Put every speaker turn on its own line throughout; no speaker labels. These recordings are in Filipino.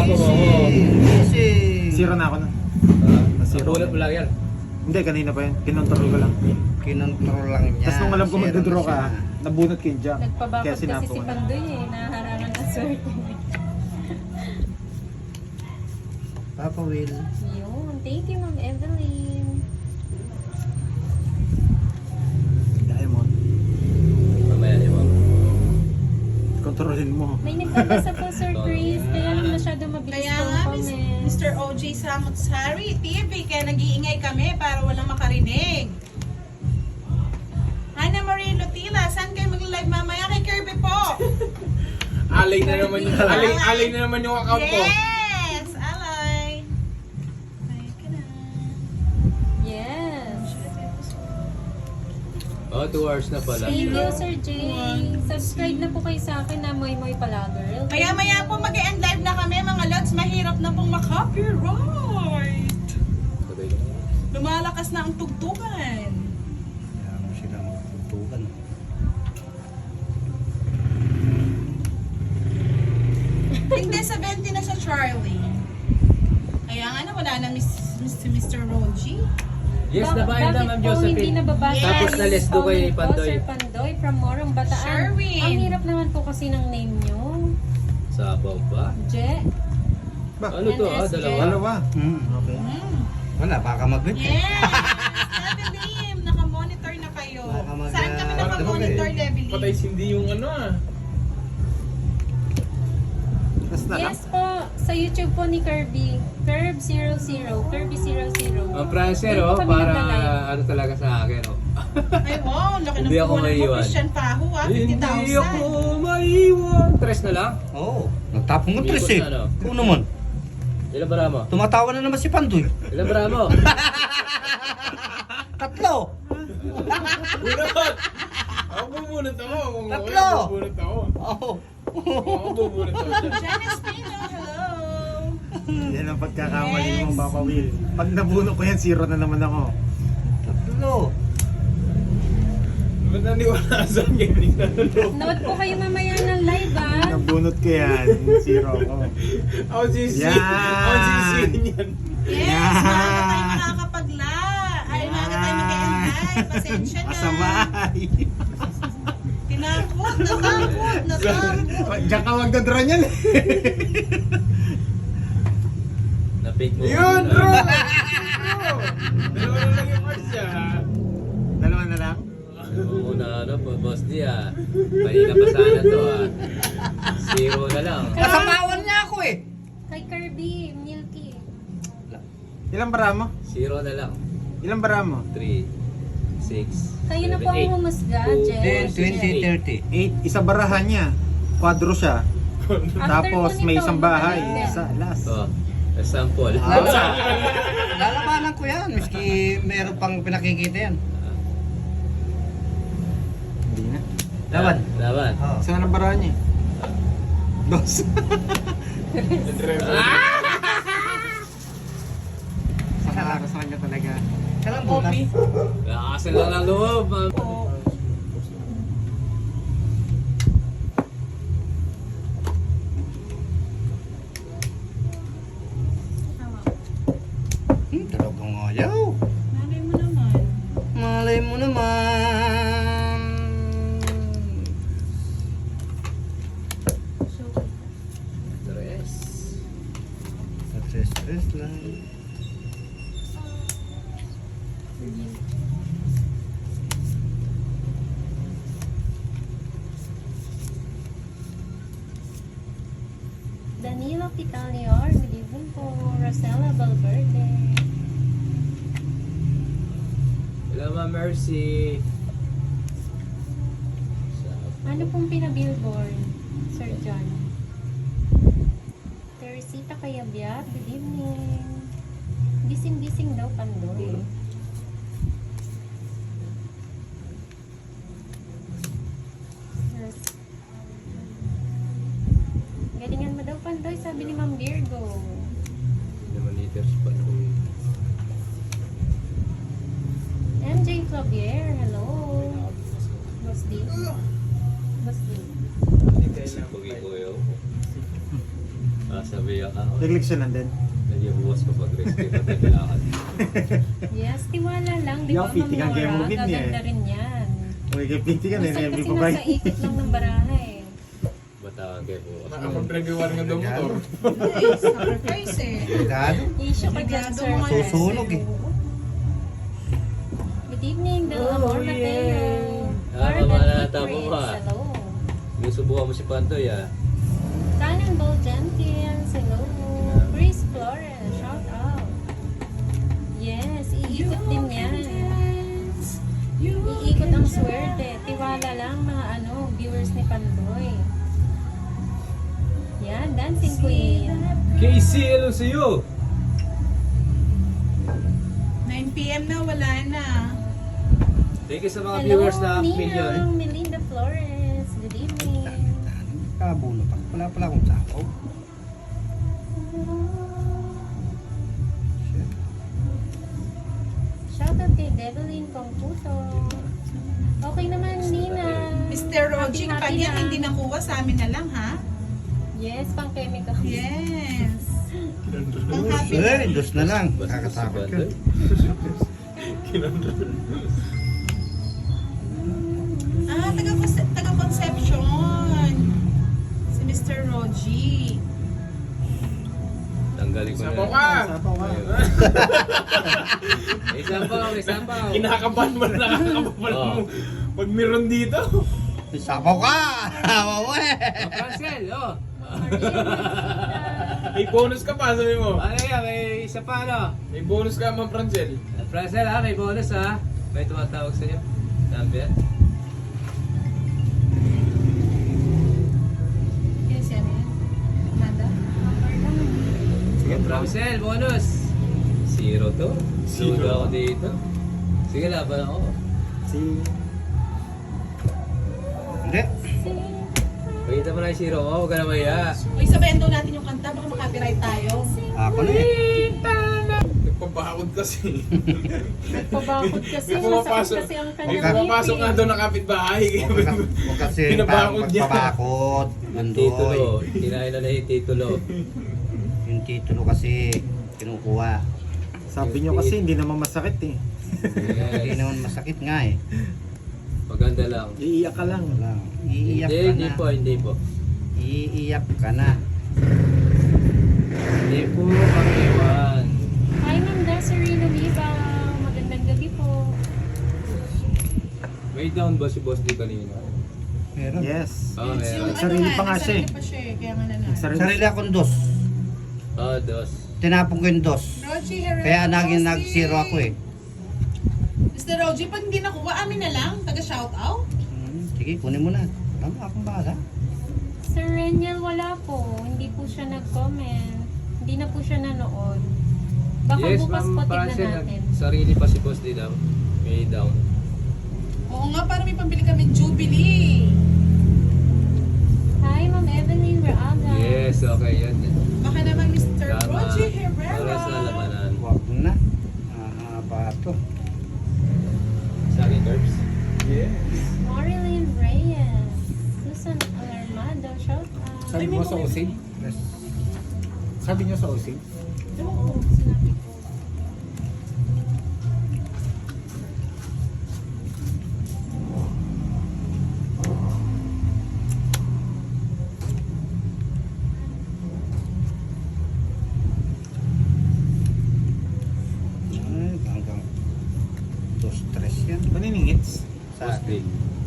Tapos ako.
Zero na ako na. Zero.
Ulit mo lang yan.
Hindi, kanina pa yan. Kinontrol ko lang.
Kinontrol lang niya.
Tapos nung alam ko
Zero
magdodraw
na
ka,
siya.
nabunot ko yung jump. Kaya
Nagpabakot kasi
sinapo
si
ko na.
Pandoy eh. Nahaharangan ng swerte.
Papa Will.
Yun. Thank you, Ma'am Evelyn.
Diamond.
Mamaya niyo mo.
Kontrolin mo.
May nagbabasa po, Sir Chris. Kaya lang masyado mabilis
Kaya
pong
nga,
comment.
Mr. OJ Samutsari TV, kaya nag-iingay kami para walang makarinig. Hana Marie Lutila, saan kayo mag-live mamaya? Kay Kirby po.
Alay na naman yung alay na naman yung account ko.
Yes! Alay! Ay, ka na.
Yes.
Oh, 2 hours na pala.
Thank you, Sir Jay. Subscribe na po kayo sa akin na Moy Moy Pala Girl.
Maya-maya po mag-end live na kami, mga lods. Mahirap na pong makopyright. Lumalakas na ang tugtugan.
Kaya mo sila magtutukan.
Hindi, 70 na sa Charlie. Kaya nga na, wala na Mr. Roji.
Yes, nabayan na, Ma'am
Bakit po hindi
Josephine.
nababasa?
Yes.
Tapos na-less do kay
Comment po,
Pandoy.
Sir Pandoy from Morong Bataan.
Sherwin.
Ang hirap naman po kasi ng name nyo.
Sabaw pa.
Je.
Ano to ah?
NSJ.
Dalawa.
Dalawa. Okay.
Wala, baka mag-wait.
Yes! Levelim, naka-monitor na kayo.
Baka mag-
Saan kami naka-monitor, Levelim?
Patay sindi yung ano ah.
Tapos na lang.
Yes po, sa YouTube po ni Kirby. Curb00. Kirby00.
Ang prancer
Hindi
oh,
po kami
para
nagla-live.
ano talaga sa akin oh.
Ay, wow, laki ng
Hindi ako
puhunan mo,
maiiwan.
Christian Paho, ah,
Hindi
50,000.
ako maiwan. Tres na lang?
Oo. Nagtapong mo
Hindi
tres
ko
eh.
na, ano.
Kung naman.
Ilan bara mo?
Tumatawa na naman si Pandoy.
Ilan bara mo?
Tatlo.
Bunot! Ako bubunot ako. Kung
Tatlo!
ako bubunot ako.
Oo.
Ako bubunot ako dyan.
Janice Pino, hello.
Yan ang pagkakamali
Yes.
mo, Papa Will. Pag nabunot ko yan, zero na naman ako.
Tatlo.
Ba't naniwala sa akin? Hindi na naloko.
Note po kayo mamaya ng live ah.
Nabunot ko yan, zero ako.
Ako sisi.
Yan!
Ako sisi niyan.
Yes,
Yan.
maaga tayo makakapagla. Ay, maaga tayo mag-end live. Pasensya na.
Masamay.
Tinakot, natakot.
Diyan ka magdadraw niyan eh.
Na-fake mo.
Yun, bro!
Dalawa na lang yung cards niya.
Dalawa na lang?
Oo na ano po, boss di ah. Kanina pa sana to ah. Zero na lang.
Nasapawan niya ako eh.
Kay Kirby, Milky.
Ilang bara mo?
Zero na lang.
Ilang bara mo?
3, 6,
Kayo na po ang humusga, Je.
10, 20, 30.
8, isa barahan niya. Kwadro siya.
After
Tapos
po
may
nito,
isang bahay.
magaling
Isa, last.
Oh, sample.
Lalabanan ko yan. Miski meron pang pinakikita yan.
Hindi na.
Laban.
Laban.
Oo.
Isa na barahan niya. Dos. Sa kanya talaga.
Kalang bukas.
Lakasan lang ang loob.
Talagang ayaw.
Malay mo naman.
Malay mo naman.
Tres.
Stress lang.
Danilo Pitalior, good evening po. Rosella Valverde.
Hello, Ma Mercy.
Ano pong pinabillboard, Sir John? Teresita Kayabyat, good evening. Gising-gising daw, Pandoy. Yes. Galingan mo daw, Pandoy, sabi ni Ma'am Virgo.
Naman liters pa nung
MJ Flavier, hello. Boss D. Boss D.
si Pugi Kuyo. Sabi Umiyak ako.
Nagleksyonan din.
Nag-ibuwas ko pag rescue pag naglalakad.
Yes, tiwala lang. Di
Yung
ba,
fitting ang
Ma'am
game mo
Nora?
din niya
Gaganda rin yan.
Uy, kay Pinti ka na,
Minsan
hindi
kasi
pa ba?
nasa ikot lang ng baraha eh.
Batawag kayo po.
Nakapag-reviewan nga daw motor.
Nice. Sacrifice eh.
Dado.
Issue ka dyan,
Obligado
sir.
mga
Susunog eh.
Good evening, Del Amor Mateo.
Nakakamata mo
Prince,
pa.
hello.
Susubukan mo si Pantoy ah.
Cannonball Jenkins, hello. Chris Flores, shout out. Yes, iikot din yan. Iikot ang swerte. Tiwala lang mga viewers ni Pandoy. Yan, Dancing Queen.
Casey, hello sa'yo!
9 p.m. na, wala na.
Thank you sa mga
Hello,
viewers na million.
Ninang Melinda Flores. Good evening.
Kabulo pa. Wala pala akong sapaw.
Shout out kay Develyn Computo. Okay naman, Nina.
Mr. Roji,
Happy
pag yan
na.
hindi nakuha sa amin na lang, ha?
Yes, pang chemical.
Yes. Ang happy na.
Eh, dos na lang.
Basta si
Kakatakot ka.
Pantoy.
Ah, taga-conception. Si Mr. Roji.
Tanggalin ko na.
Sabaw ka!
Sapaw ka.
May sabaw, may sabaw.
Kinakabahan mo na nakakabahan
Oo.
mo. Pag meron dito.
Sapaw ka! Mawe!
Oh, Francel, oh.
May bonus ka pa, sabi mo.
Ano yan, may isa pa ano?
May bonus ka, Ma'am Francel.
Francel ha, may bonus ha. May tumatawag sa'yo. Number.
Yes, yan yan. Amanda?
Sige, Francel, bonus. 0 to.
Zero.
Zero ako dito. Sige, laban ako.
Si...
Hindi.
Pakita mo na yung 0 ko, huwag ka na maya.
Uy, sabayan daw natin yung kanta, baka makapiright tayo.
Ako na eh.
Nagpabakod kasi.
Pabakot kasi,
Pumapasok.
masakit kasi ang
May
kanyang
pumapasok nga daw ng kapitbahay.
Huwag kasi
Pinabakod niya.
magpabakod.
Yung titulo.
Mandoy.
Kinain na yung titulo.
Yung titulo kasi kinukuha.
Sabi nyo kasi hindi naman masakit eh.
Hindi
Yes.
naman masakit nga eh.
Maganda lang.
Iiyak ka lang.
Wala. Iiyak ka
Hindi
na.
po, hindi po.
Iiyak ka na.
Hindi po, pang-iwan.
Hi, Ma'am Desiree Lumibaw. Magandang gabi po.
May down ba si Boss D kanina?
Meron.
Yes.
Oo, meron.
Sarili pa nga siya eh.
Sarili pa siya eh, kaya nga nanalo.
Sarili akong dos.
Oo, dos.
Tinapong ko yung dos.
Roji, Herrera.
Kaya naging
Bossy.
nag-zero ako eh.
Mr. Roji, pag hindi nakuha, amin na lang. Taga-shoutout.
Sige, kunin mo na. Wala mo akong bahala.
Sir Reniel, wala po. Hindi po siya nag-comment. Hindi na po siya nanood. Baka
Yes,
bukas po
Ma'am
tignan
Francel,
natin.
sarili pa si Boss D daw. May down.
Oo nga, para may pambili kami Jubilee.
Hi, Ma'am Evelyn Reaga.
Yes, okay, yan.
Baka naman Mr.
Tama.
Roji Herrera.
Para sa lamanan.
Huwag na. Mahaba to.
Sa akin, Curbs.
Yeah.
Marilyn Reyes. Susan Alarmado, shout out.
Sabi mo sa OC?
Yes.
Sabi nyo sa OC?
Oo, sinabi ko.
Ay, hanggang dos, tres yan.
Paniningits?
Boss D.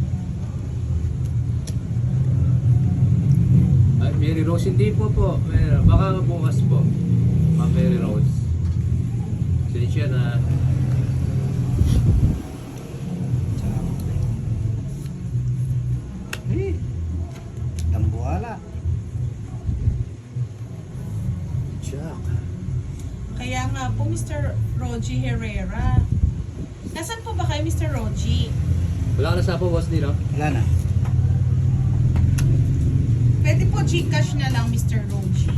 Ay, Mary Rose, hindi po po. Meron. Baka bukas po. Ma'am Mary Rose. Siya na.
Eh, tambuhala.
Jack.
Kaya nga po, Mr. Roji Herrera. Nasaan po ba kayo, Mr. Roji?
Wala ka na sa po, Boss D, no?
Wala na.
Pwede po Gcash na lang, Mr. Roji.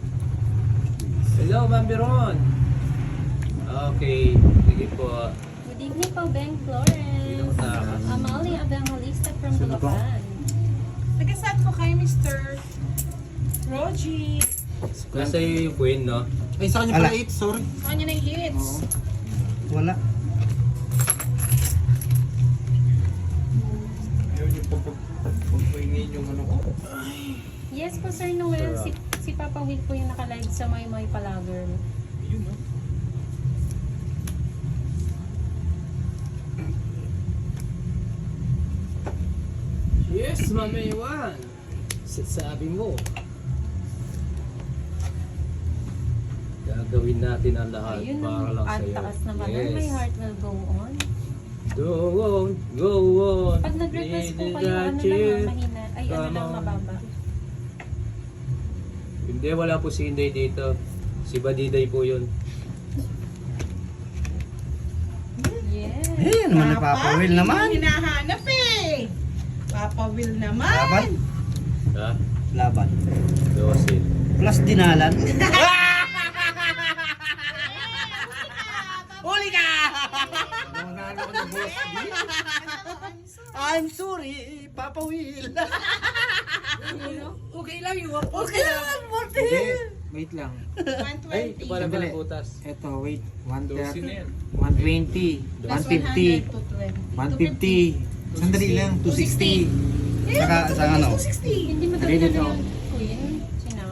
Hello, Ma'am Biron. Okay, sige po.
Good Good evening po, Ben Flores. Amalia Evangelista from Bulacan.
Nag-saan po kayo, Mr. Rogie?
Nasa iyo yung queen, no?
Ay, sa kanya pala 8, sorry.
Sa kanya na yung hits.
Wala.
Ayaw niyo pagpainin yung ano ko.
Yes po, Sir Noel. Si Papa Will po yung naka-live sa May Palager.
Yun, no?
Yes, Mama Iwan. Sabi mo. Gagawin natin ang lahat
Ayun
para
ang
lang sa'yo.
taas naman. Yes. My heart will go on.
Go on, go on.
Pag nag-request po kayo, ano
Didn't
lang, mahina. Ay, ano
Come
lang,
on.
mababa.
Hindi, wala po si Inday dito. Si Badiday po yun.
Yes.
Eh, naman na Papa Will naman.
Yung hinahanap eh. Papa Will naman.
Laban.
Ha?
Laban.
12.
Plus dinalan. Huli ka! I'm sorry, Papa Will.
Okay lang yun.
Okay lang, Morty.
Hindi, wait lang.
Ay, ito
120.
pala
Sandali.
pala butas.
Eto, wait.
12 na yan.
120,
Plus
150,
100 to 20.
150. Sandali lang, 260.
Saka, sa ano?
260.
Hindi mo
Ready
talaga
to.
yung queen. Sinaw.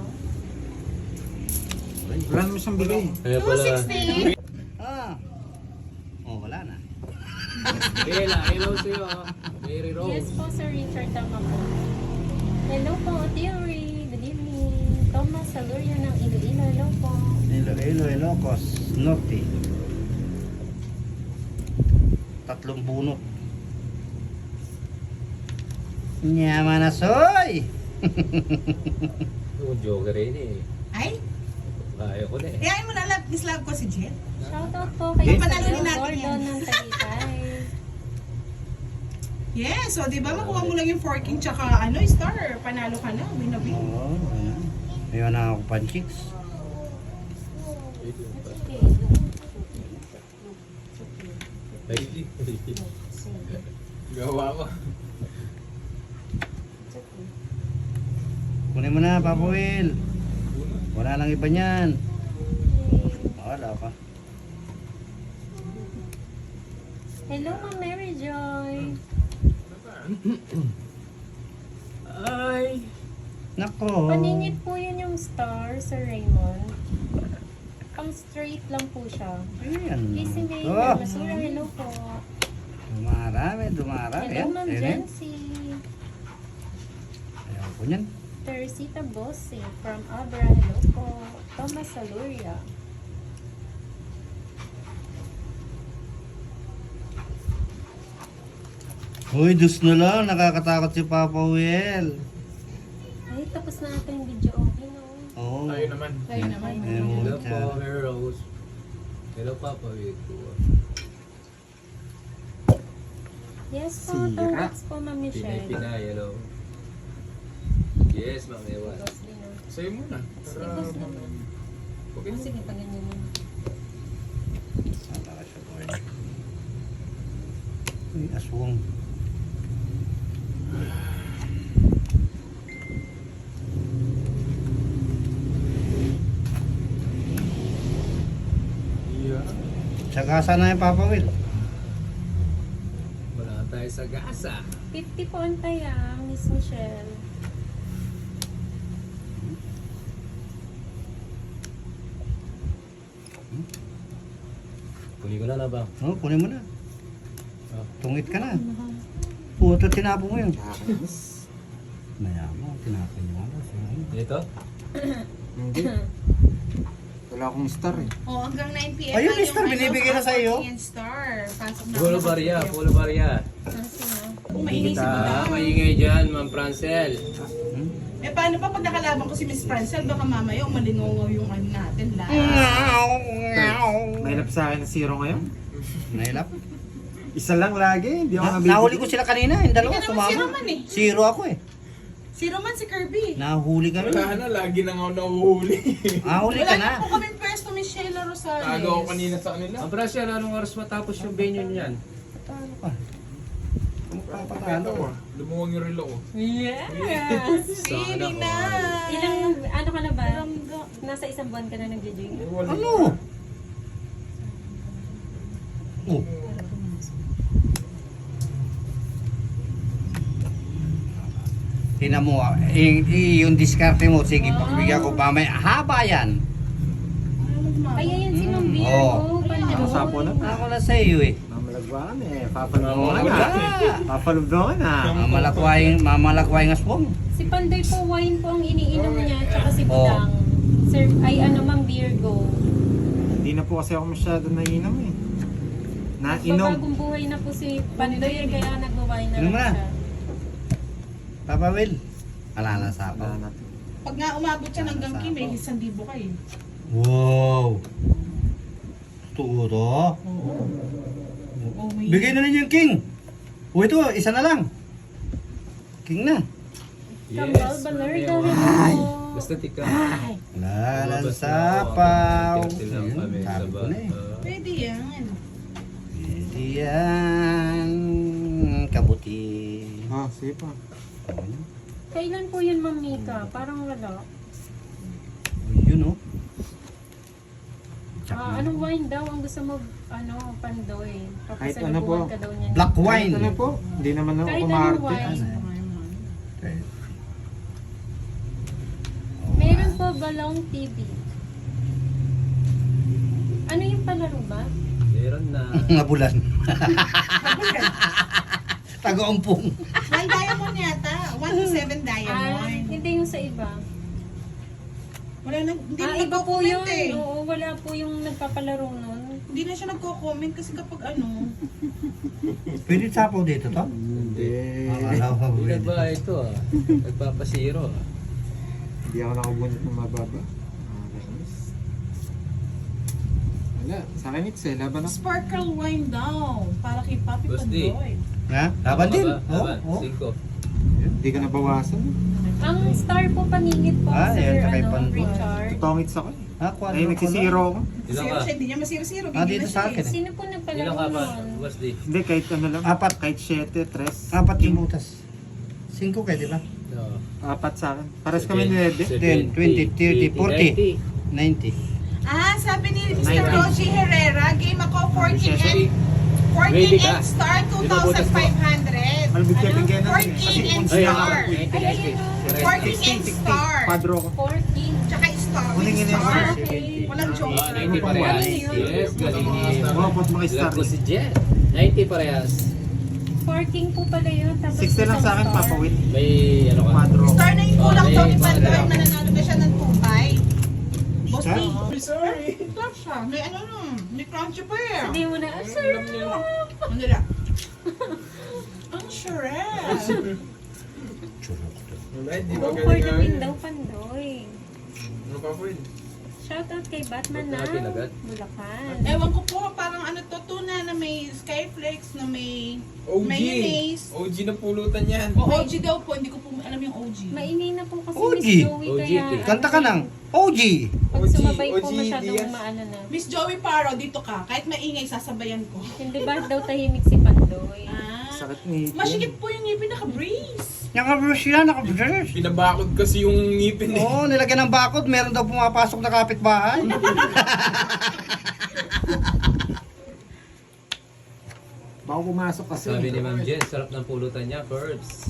Wala naman siyang bigay.
Kaya pala.
260.
Ah. Oh, wala na.
Bella, hello sa'yo. Mary Rose.
Yes po, Sir Richard. Tama po. Hello po, Theory. Good evening. Thomas Saluria ng Iloilo. Hello po.
Iloilo, Ilocos, Norte. 3 bunot. Nyama na soy!
Yung joker rin eh.
Ay,
Kaya ko na eh.
ayayin mo na love. Mislove ko si Jet.
Shoutout po kay
Eh,
panalunin
Sir
natin
Gordon
yan.
ng Tagaytay.
Yes, so di ba makuha mo lang yung forking tsaka ano, star. Panalo ka na. Win na win.
Oo, ayan. Mayroon na ako panchiks.
Gawa ko.
Kunin mo na, Papa Will. Wala lang iba niyan. Wala pa.
Hello, Ma'am Mary Joy.
Ay!
Nako.
Paningit po yun yung star, Sir Raymond. Pang straight lang po siya.
Ayan.
Casey May,
Oh,
Masura, hello po.
dumarami, dumarami.
Hello,
Ayan,
Ma'am
ayan, ayan.
Jency.
Ayaw ko niyan.
Teresita Bosse from Abra, hello po. Thomas Saluria.
Uy, dus na lang. Nakakatakot si Papa Will.
Ay, tapos na natin yung video, okay no?
Oo.
Tayo naman.
Kayo naman.
Ayun,
Hello
siya.
po, Mary Rose. Hello Papa Vito.
Yes po,
Sira.
congrats po, Ma'am Michelle.
Pinay, hello. Yes, Ma'am Ewan.
Boss din, no?
Sa'yo muna.
Sige, boss naman.
Okay.
Ah, sige, paganyan mo.
Saan ka siya, boy? Uy, aswang.
Yeah.
Tsaka sana yung Papa Will.
Wala tayo sa gasa.
50 po ang taya, Miss Michelle.
Kunin ko na na ba?
Oo, kunin mo na.
Ah.
Tungit ka na. Puto, tinapo mo yun. Maya mo, tinapin mo.
Ito?
Hindi. Wala akong star eh.
Oh, hanggang 9 p.m.
Ayun,
lang yung
star, binibigay na sa'yo.
Forking Star. Pasok na.
Polo Barya, Polo Barya.
Ah, sige.
Kung mainisip mo
Ah,
lang.
maingay dyan, Ma'am Francel.
Eh, paano pa pag nakalaban ko si Miss Francel? Baka mamaya umalingongaw yung ano natin lahat.
Nailap sa akin na zero ngayon.
Nailap.
Isa lang lagi, hindi ako nabibigay.
Nahuli ko sila kanina, yung dalawa,
Hindi ka naman
sumama.
zero man eh.
Zero ako eh.
Si Roman, si Kirby.
Nahuli ka
Wala
rin.
na, lagi na nga ako nahuhuli.
Nahuli
Wala
ka
na
na.
po kami pwesto, Miss Sheila Rosales.
Tago ako kanina sa kanila.
Ang Brasya, anong oras matapos yung venue niyan?
Patalo ka.
Patalo ko. Lumuwang yung relo ko.
Yes! Really
Sana
na!
Ilang, ano ka na ba? Nasa isang buwan ka na nag-join?
Wala.
Ano? Oh. Tingnan mo, yung diskarte mo, sige, pagbigyan ko pa, may haba yan.
Ay, ayan si Ma'am Beer.
Oo.
Oh,
Ang sapo na.
Ako na sa iyo eh.
Mamalagwakan eh. Papalubdo ka
Wala.
na. Papalubdo ka na.
Mamalakway ng aswang.
Si Pandoy po, wine po ang iniinom niya, tsaka si
Oo.
Budang. Sir, ay ano, Ma'am Beer, go.
Hindi na po kasi ako masyado nainom eh. Nainom.
Babagong buhay na po si Pandoy, kaya nagwa-wine na
Inom
lang
na.
siya.
Papa Will. Wala na sa
Wala na.
Pag nga umabot siya hanggang Kim, may 1,000 kayo.
Wow. Totoo to.
Oh, may...
Bigay na ninyo yung king. O ito, isa na lang. King na.
Kambal, Balarga,
Ay.
hello.
Basta tika.
Lalang sapaw.
Tirtil lang kami sa
Sabi ko na eh.
Pwede yan.
Pwede yan. Kabuti.
Ah, sige pa.
Kailan po yun, Ma'am Mika? Parang wala.
Yun o.
Anong wine daw ang gusto mo, Pandoy?
Kahit ano po.
Papasalubuhan ka daw niya.
Black wine.
Kahit ano po, hindi naman ako
Kahit anong
kumarte.
wine.
Okay.
Meron po Balong TV. Ano yung palaro ba?
Meron na.
Ngabulan. Taga-umpong.
1 diamond yata. 1 to 7 diamond.
Hindi yung sa iba.
Wala na, hindi na
Iba po yun.
nagko-comment eh.
Oo, wala po yung nagpapalaro nun.
Hindi na siya nagko-comment kasi kapag ano,
Pwede sapaw dito to?
Hindi.
Akala ko
Hindi
pwede.
ba ito ah? Nagpapasiro ah.
Hindi ako nakabunot ng mababa. Wala. Sa akin it's eh. Laban ako.
sparkle wine daw. Para kay Papi
Boss D.
Pandoy.
Ha? Laban din.
Laban.
Oh, oh.
5.
Hindi ka nabawasan.
Ang star po paningit po,
Yan,
Sir
kay Pandoy.
Richard.
Totongits ako eh.
Ah,
Ay, nagsisiro ako.
Ilan
Zero
ka?
siya, hindi niya masiro-zero.
Ah,
Hindi
dito
na
sa
siya
akin eh.
Sino po
Ilan
nagpalaro
ka ba?
nun?
Boss D.
Hindi, kahit ano lang.
Apat.
Kahit 7, 3.
Apat yung butas. 5 kayo, di ba?
No.
Apat sa akin. Pares kami 9.
10, 20, 30, 40. 90.
Ah, sabi ni Mr.
Nineteen.
Rosie Herrera, game ako 14 and 14
Ready ka?
and star
Binabutas mo.
2,500.
Malbig ka bigyan natin.
14 and
Ay,
star.
Ay,
14 and star.
Padro ko.
14.
Tsaka star.
Kunin
With
niyo na
star.
yung
Okay.
Walang joke.
90 parehas. Yes, galing ni...
Mga pot makistar.
Ilan po si Jen? 90 parehas.
14 po pala yun. Tapos
60 lang sa akin,
isang star.
papawin.
May ano ka?
Padro.
Star na yung kulang daw ni
Okay,
Pandoy.
okay.
Mananalo na siya ng 2-5. Boss
Star?
D.
Sorry.
Stop siya. May ano nun. May crunchy pa eh.
Sabi mo na, sir.
Ano nila? Ang charette.
Wala, di ba
Go for
galing
the
nga
win
yun?
daw, Pandoy.
Ano pa po yun?
Shoutout kay Batman
Ba't
na
natin agad?
Bulacan.
Ewan ko po, parang ano to, tuna na may skyflakes, na may
OG.
mayonnaise.
OG na pulutan yan.
O OG daw po, hindi ko po alam yung OG.
Maingay na po kasi
OG.
Miss Joey
OG,
kaya...
Kanta ka ng OG.
Pag
OG,
sumabay po
OG
masyadong
Diaz.
maano na.
Miss Joey Paro, dito ka. Kahit maingay, sasabayan ko.
Hindi ba daw tahimik si Pandoy?
Ah.
Sakit ni
Masikip po yung ngipin, naka-breeze.
Naka-brush yan, naka-brush.
Pinabakod kasi yung ngipin eh.
Oo, nilagyan ng bakod. Meron daw pumapasok na kapitbahay.
Baka pumasok kasi.
Sabi ni Ma'am Jen, sarap ng pulutan niya, Curbs.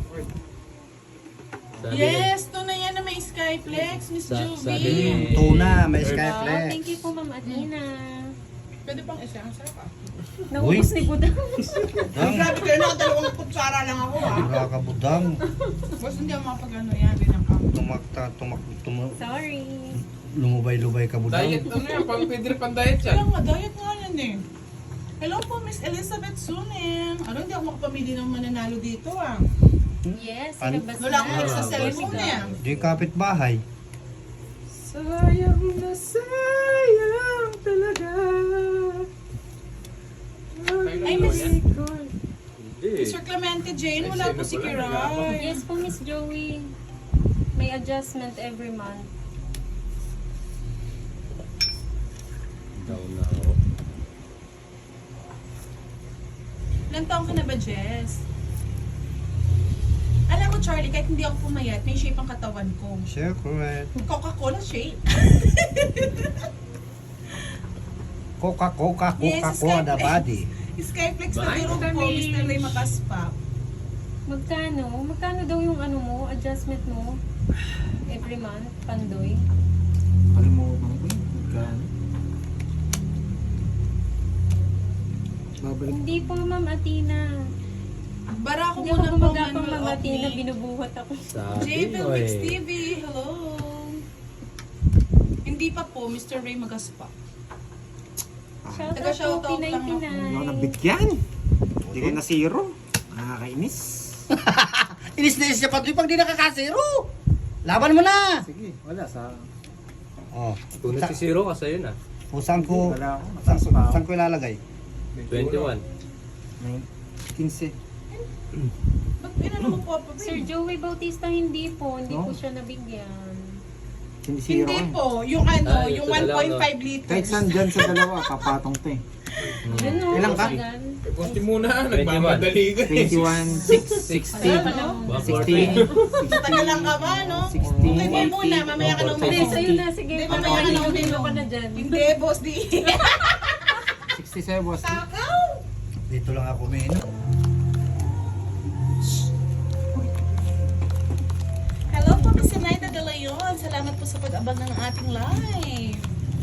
Sabi
Yes, tuna yan na may skyflex, Miss
sabi ni...
Juvie.
Tuna, may
Curbs.
skyflex.
Thank you po, Ma'am Adina.
Pwede pang isa, ang sarap ah.
Naubos ni Budang.
Budang.
Grabe kayo na, dalawang kutsara lang ako ah.
Nakakabudang.
Boss, hindi ako makapag-ano yan, rin ang
Sorry.
Lumubay-lubay ka budang.
Diet, ano yan? Pang pwede rin pang diet yan.
Kaya nga, diet nga yan eh. Hello po, Miss Elizabeth Suning. Ano, hindi ako makapamili ng mananalo dito ah.
Yes,
Ano?
ilabas
Wala akong
na.
sa cellphone eh.
Di kapitbahay.
Sayang na sayang talaga.
Ay, Miss...
Hindi.
Sir Clemente Jane, wala po si Kiray.
Yes po, Miss Joey. May adjustment every month.
Down na ako.
Ilang taong ka na ba, Jess? Alam mo, Charlie, kahit hindi ako pumayat, may shape ang katawan ko.
Secret.
Coca-Cola shape.
Coca-Cola
Yes,
the body.
Skyflex na
Bye,
biro po,
Kami.
Mr. Ray Makaspa.
Magkano? Magkano daw yung ano mo, adjustment mo? Every month, Pandoy.
Kalimutan ko yun. Magkano? Babalik.
Hindi po, Ma'am Atina.
Bara ko
Hindi ako
muna po,
gumagapang
Manuel
Ma'am Atina,
Ocni.
binubuhat ako.
Sabi
J-Bill
mo
Mix
eh.
TV, hello. Hindi pa po, Mr. Ray Magaspa.
Shout out
Taga-shoutout
po,
lang ako.
Hindi ako
P99.
nabigyan. Hindi ko na zero. Nakakainis.
Inis-inis siya pati pag di nakakasiro. Laban mo na!
Sige, wala sa...
Oh,
Kung nagsisiro ka sa'yo na.
saan ko,
Wala ako. Mataas pa ako.
saan ko ilalagay?
21.
15.
Ba't inano mo po, Papa?
Sir Joey Bautista, hindi po. Hindi
No?
po siya nabigyan.
Sinisiro
Hindi
ko eh.
po, yung ano,
Ah,
yung
ito na lang,
1.5 liters.
Kahit saan dyan sa dalawa, papatong to eh.
Yun o,
Ilang ka?
kasagan.
Eh, konti muna, nagmamadali ka eh.
21, 6, 60,
Ano?
16,
Taga lang ka ba, no?
60,
Okay, mo muna, mamaya ka na
Hindi,
uminom.
sa'yo na. Sige,
Hindi,
mamaya
mamaya
ka na
ka
uminom
uminom.
ka na dyan.
Hindi, boss, di.
67 boss.
Takaw!
Dito lang ako umiinom.
Hello po, Miss Zenaida De Leon. Salamat po sa pag-abang ng ating live.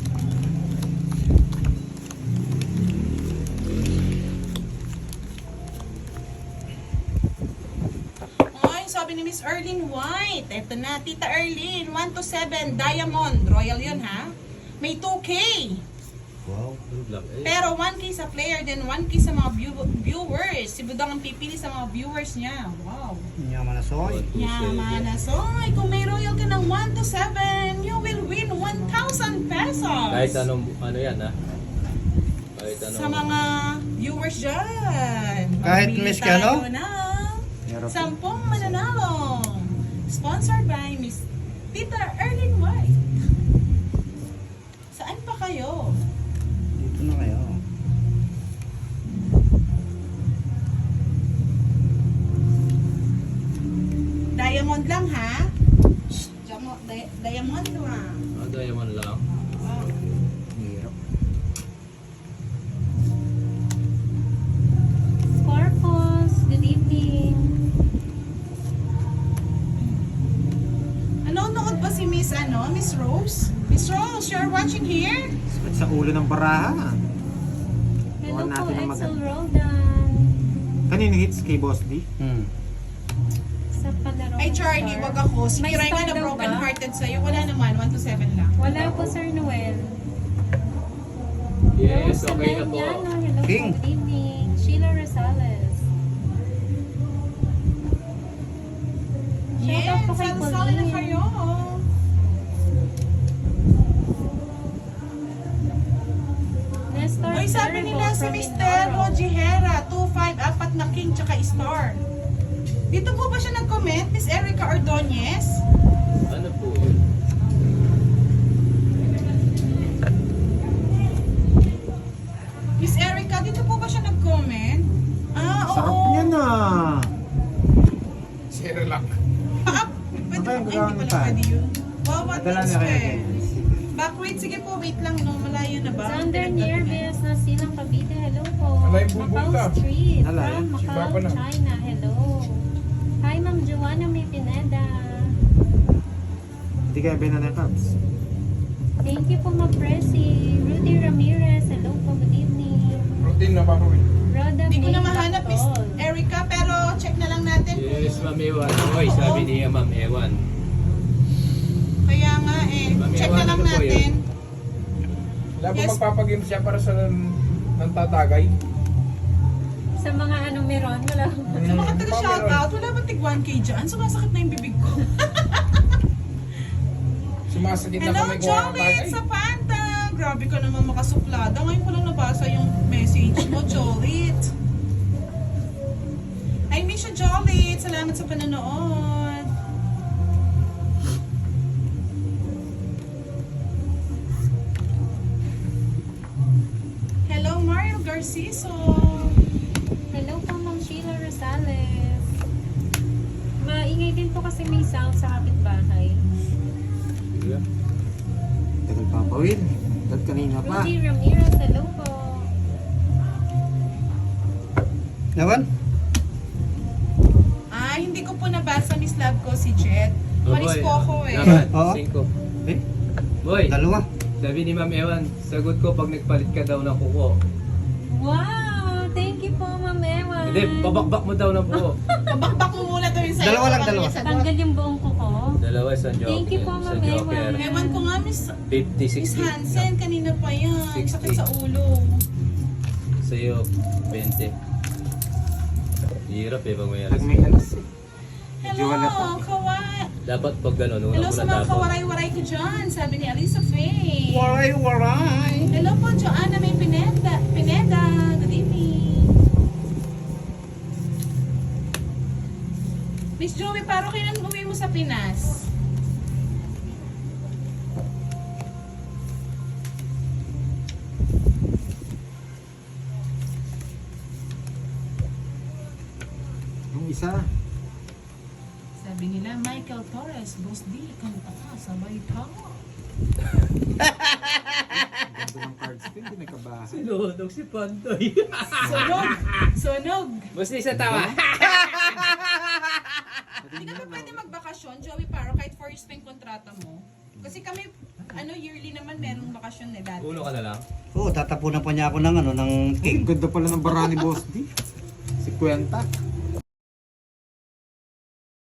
Ay, sabi ni Miss Erlene White. Eto na, Tita Erlene. 1 to 7, Diamond. Royal yun, ha? May 2K.
Wow.
Pero 1K sa player, then 1K sa mga viewers. Si Budang ang pipili sa mga viewers niya. Wow.
Yaman na soy.
Yaman na soy. Kung may royal ka ng 1 to 7, you will win 1,000 pesos.
Kahit anong, ano yan ha? Kahit anong...
Sa mga viewers dyan.
Kahit
Mamili
Miss Kano?
tayo ng
Meron po.
10 mananalong. Sponsored by Miss Tita Erlene White. Saan pa kayo?
Dito na kayo.
Diamond lang, ha? Diamond lang.
Ano yaman lang?
Oh.
Hirap.
Scorpos, good evening.
Nanonood ba si Miss Miss Rose? Miss Rose, you're watching here?
Sakit sa ulo ng baraha.
Hello
Huwag
po,
natin ang
Excel
maganda.
Roldan.
Kanino hits kay Boss D?
Sa palaro.
Ay,
ng
Charlie,
star.
wag ako. Si
May
Kiray
star
nga na
daw
broken
ba?
hearted sa'yo. Wala naman, 1 to 7 lang.
Wala po, Sir Noel.
Yes,
Rose
okay na po.
Ameniano, hello
King.
po, good evening. Sheila Rosales. Shout out
Yes,
po kay
sali na
Pauline.
kayo.
Nestor
Uy, sabi
Servo
nila si
from
Mr.
Mindoro.
Rojihera, 2-5, apat na king, tsaka star. Dito po ba siya nag-comment, Miss Erica Ordonez?
Ano po yun?
Miss Erica, dito po ba siya nag-comment? Ah, oo.
Sarap niya na.
Zero lang.
Pwede
Ano
ba?
kayang
Ay, hindi
gagawin
pala
pa?
pwede yun. Wow, what
Padala
next
niya kaya
eh?
kay
Back, wait, sige po, wait lang, no? Malayo na ba?
Xander Nieves na silang Cavite, hello po.
Wala yung bumbong
Macau
ka.
Street
Wala,
from
yun.
Siba
Macau,
pa na.
China, hello. Hi, Ma'am Joanna May Pineda.
Hindi kaya binana Cubs.
Thank you po, Ma'am Presi. Rudy Ramirez, hello po, good evening.
Routine na ba ko eh?
Rhoda
Hindi ko
May
na mahanap, Miss
Bactol.
Erica, pero check na lang natin.
Yes, Ma'am Ewan. Oy, sabi niya Ma'am Ewan.
Kaya nga eh, check na lang
Ano po
natin.
Wala ba
Yes.
magpapagame siya para sa ng tatagay?
Sa mga ano meron, wala.
Sa mga taga-shoutout, wala ba tig 1K dyan? Sumasakit na yung bibig ko.
Sumasakit na
Hello,
kami kung ang
Jolit
tagay.
sa Panta! Grabe ka naman makasuplada. Ngayon ko lang nabasa yung message mo, Jolit. salamat sa panonood. Hello, Mario Garciso.
Hello po, Ma'am Sheila Rosales. Maingay din po kasi may sound sa kapitbahay.
Yeah.
Tagal pa pa, Will. Dahil kanina pa.
Rudy Ramirez, hello po.
Naman?
Hindi ko po nabasa, Miss Love ko, si Jet. Maris po ako eh.
Dapat,
Oo.
5.
Eh,
Boy,
dalawa.
sabi ni Ma'am Ewan, sagot ko pag nagpalit ka daw ng kuko.
Wow! Thank you po, Ma'am Ewan.
Hindi, babakbak mo daw ng kuko.
Pabakbak mo muna to yung sa'yo.
Dalawa lang,
bago
dalawa.
niya sagot.
Tanggal yung buong kuko.
Dalawa, isang joker.
Thank you po, Ma'am
Isang joker.
Ewan.
Ewan ko nga, Miss
50,
Miss
60.
Hansen, kanina pa yan.
60.
Sakit sa ulo.
Sa'yo, 20. Hirap eh pag may
Pag
alas.
may alas eh. Medyo
Hello,
halata.
Kawa.
Dapat pag gano'n, una
Hello
mo
sa
na
mga
dapat.
kawaray-waray ko dyan, sabi ni Alisa Faye.
Waray.
Hello po, Joanna May Pineda. Good evening. Miss Joey, paro kailan uwi mo sa Pinas?
Yung isa.
Sabi nila, Michael Torres, Boss D, kanta ka, sabay ka.
Ganda ng cards ko, hindi nagkabahan.
Sinudog si Pantoy.
Sunog! Sunog!
Basta isa tawa.
Hindi ka ba pwede magbakasyon, Joey Paro, kahit 4 years pa yung kontrata mo? Kasi kami, yearly naman merong bakasyon eh dati.
Uno ka na lang.
Oo, tatapunan pa niya ako ng ng
Ang
king.
ganda pala ng bara ni Boss D. Si Kwenta.